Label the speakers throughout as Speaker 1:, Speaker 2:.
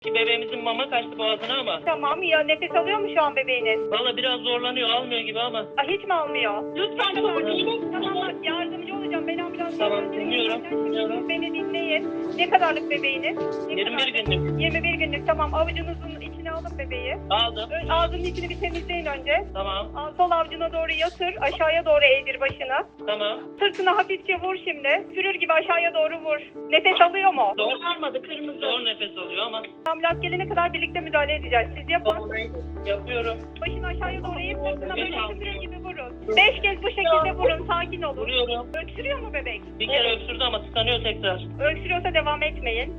Speaker 1: Ki bebeğimizin mama kaçtı boğazına ama.
Speaker 2: Tamam ya, nefes alıyor mu şu an bebeğiniz?
Speaker 1: Valla biraz zorlanıyor, almıyor gibi ama.
Speaker 2: Hiç mi almıyor? Lütfen tamam, yardımcı olacağım. Ben ambulans
Speaker 1: Tamam, dinliyorum.
Speaker 2: Beni dinleyin. Ne kadarlık bebeğiniz?
Speaker 1: 21 günlük.
Speaker 2: 21 günlük, tamam. Avucunuzun içine alın bebeği.
Speaker 1: Aldım.
Speaker 2: Ağzının içini bir temizleyin önce.
Speaker 1: Tamam.
Speaker 2: Sol avucuna doğru yatır. Aşağıya doğru eğdir başını.
Speaker 1: Tamam.
Speaker 2: Sırtına hafifçe vur şimdi. Sürür gibi aşağıya doğru vur. Nefes alıyor mu?
Speaker 1: Zor almadı, kırmızı. Zor nefes alıyor ama.
Speaker 2: Ambulans gelene kadar birlikte müdahale edeceğiz. Siz yapın.
Speaker 1: Yapıyorum.
Speaker 2: Başını aşağıya doğru eğip sırtına böyle sürür gibi vurun. 5 kez bu şekilde vurun. Sakin olun.
Speaker 1: Vuruyorum.
Speaker 2: Öksürüyor mu bebek?
Speaker 1: Bir kere öksürdü ama tıkanıyor tekrar.
Speaker 2: Öksürüyorsa devam etmeyin.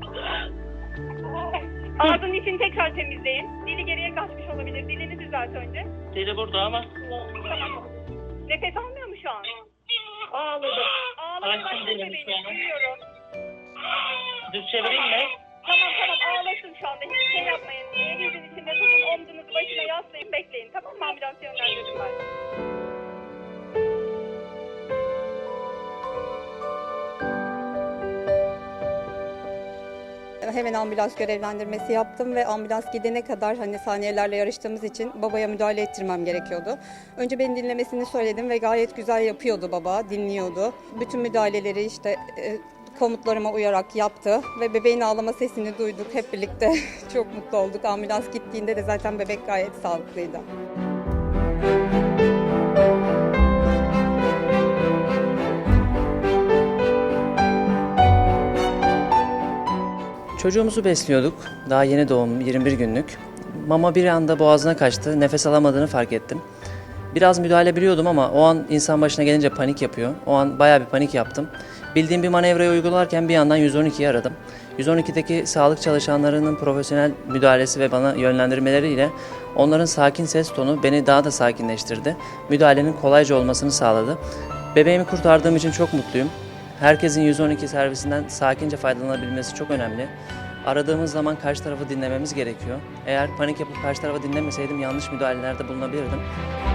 Speaker 2: Ağzının içini tekrar temizleyin. Dili geriye kaçmış olabilir. Dilini düzelt önce.
Speaker 1: Deli burada ama.
Speaker 2: Tamam. Nefes almıyor mu şu an? Ağladı. Ağladı. Başını bebeğini duyuyorum.
Speaker 1: Düz çevireyim mi?
Speaker 2: Tamam ağlasın şu anda. Hiçbir şey yapmayın. Elinizin içinde tutun. Omzunuzu başına yaslayın. Bekleyin. Tamam mı? Ambulans yönlendirdim ben.
Speaker 3: Hemen ambulans görevlendirmesi yaptım ve ambulans gidene kadar hani saniyelerle yarıştığımız için babaya müdahale ettirmem gerekiyordu. Önce beni dinlemesini söyledim ve gayet güzel yapıyordu baba, dinliyordu. Bütün müdahaleleri işte komutlarıma uyarak yaptı ve bebeğin ağlama sesini duyduk hep birlikte. Çok mutlu olduk. Ambulans gittiğinde de zaten bebek gayet sağlıklıydı.
Speaker 4: Çocuğumuzu besliyorduk. Daha yeni doğum, 21 günlük. Mama bir anda boğazına kaçtı. Nefes alamadığını fark ettim. Biraz müdahale biliyordum ama o an insan başına gelince panik yapıyor. O an bayağı bir panik yaptım. Bildiğim bir manevrayı uygularken bir yandan 112'yi aradım. 112'deki sağlık çalışanlarının profesyonel müdahalesi ve bana yönlendirmeleriyle onların sakin ses tonu beni daha da sakinleştirdi. Müdahalenin kolayca olmasını sağladı. Bebeğimi kurtardığım için çok mutluyum. Herkesin 112 servisinden sakince faydalanabilmesi çok önemli. Aradığımız zaman karşı tarafı dinlememiz gerekiyor. Eğer panik yapıp karşı tarafı dinlemeseydim yanlış müdahalelerde bulunabilirdim.